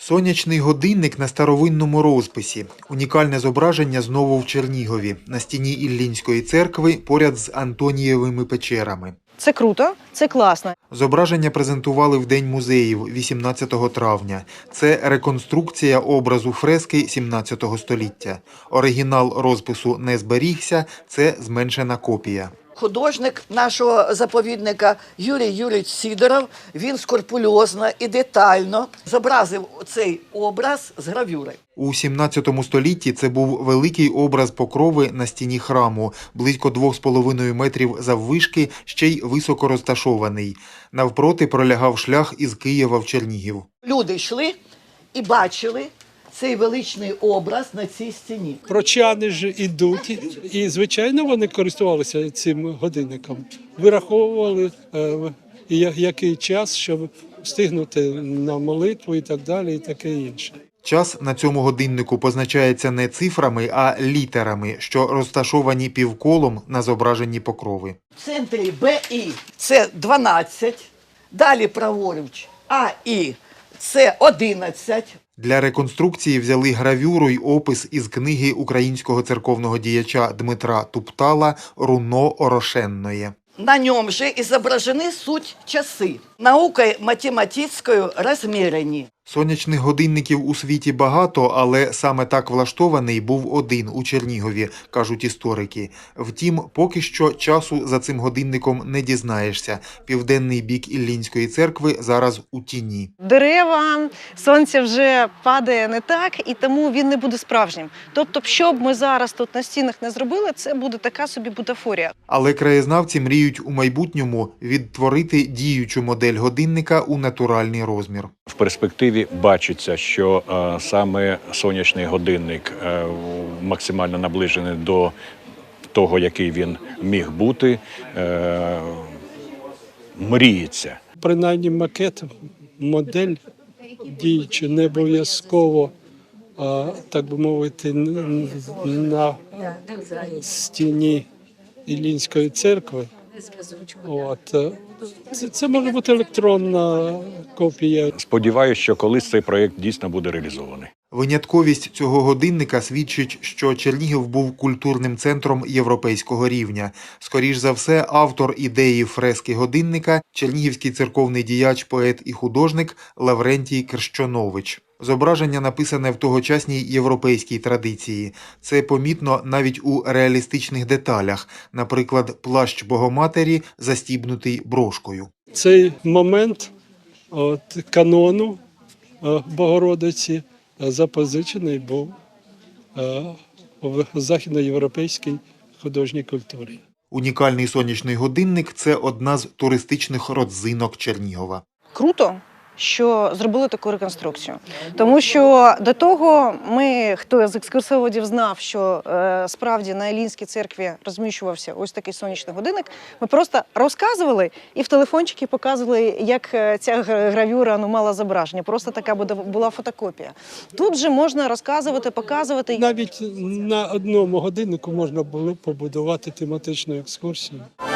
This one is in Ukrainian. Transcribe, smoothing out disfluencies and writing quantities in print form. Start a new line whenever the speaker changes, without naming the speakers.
Сонячний годинник на старовинному розписі. Унікальне зображення знову в Чернігові, на стіні Іллінської церкви поряд з Антонієвими печерами.
Це круто, це класно.
Зображення презентували в День музеїв 18 травня. Це реконструкція образу фрески 17 століття. Оригінал розпису не зберігся, це зменшена копія.
Художник нашого заповідника Юрій Юрійович Сидоров, він скрупульозно і детально зобразив цей образ з гравюри.
У 17 столітті це був великий образ Покрови на стіні храму, близько 2,5 метрів заввишки, ще й високо розташований. Навпроти пролягав шлях із Києва в Чернігів.
Люди йшли і бачили цей величний образ на цій стіні.
Прочани ж ідуть, і, звичайно, вони користувалися цим годинником. Вираховували, який час, щоб встигнути на молитву і так далі, і таке інше.
Час на цьому годиннику позначається не цифрами, а літерами, що розташовані півколом на зображенні Покрови.
В центрі БІ – це 12, далі праворуч АІ – це 11.
Для реконструкції взяли гравюру й опис із книги українського церковного діяча Дмитра Туптала «Руно Орошенное».
На нем же изображены суть часы, наукой математическую размерені.
Сонячних годинників у світі багато, але саме так влаштований був один у Чернігові, кажуть історики. Втім, поки що часу за цим годинником не дізнаєшся. Південний бік Іллінської церкви зараз у тіні.
Дерева, сонце вже падає не так, і тому він не буде справжнім. Тобто, що б ми зараз тут на стінах не зробили, це буде така собі бутафорія.
Але краєзнавці мріють у майбутньому відтворити діючу модель годинника у натуральний розмір.
В перспективі бачиться, що саме сонячний годинник максимально наближений до того, який він міг бути, мріється.
Принаймні макет, модель діючи не обов'язково, так би мовити, на стіні Іллінської церкви. Це може бути електронна копія.
Сподіваюся, що колись цей проєкт дійсно буде реалізований.
Винятковість цього годинника свідчить, що Чернігів був культурним центром європейського рівня. Скоріш за все, автор ідеї фрески годинника – чернігівський церковний діяч, поет і художник Лаврентій Крщонович. Зображення написане в тогочасній європейській традиції. Це помітно навіть у реалістичних деталях, наприклад, плащ Богоматері застібнутий брошкою.
Цей момент канону Богородиці запозичений був в західноєвропейській художній культурі.
Унікальний сонячний годинник – це одна з туристичних родзинок Чернігова.
Круто, що зробили таку реконструкцію. Тому що до того хто з екскурсоводів знав, що справді на Іллінській церкві розміщувався ось такий сонячний годинник, ми просто розказували і в телефончики показували, як ця гравюра мала зображення. Просто така була фотокопія. Тут же можна розказувати, показувати.
Навіть на одному годиннику можна було побудувати тематичну екскурсію.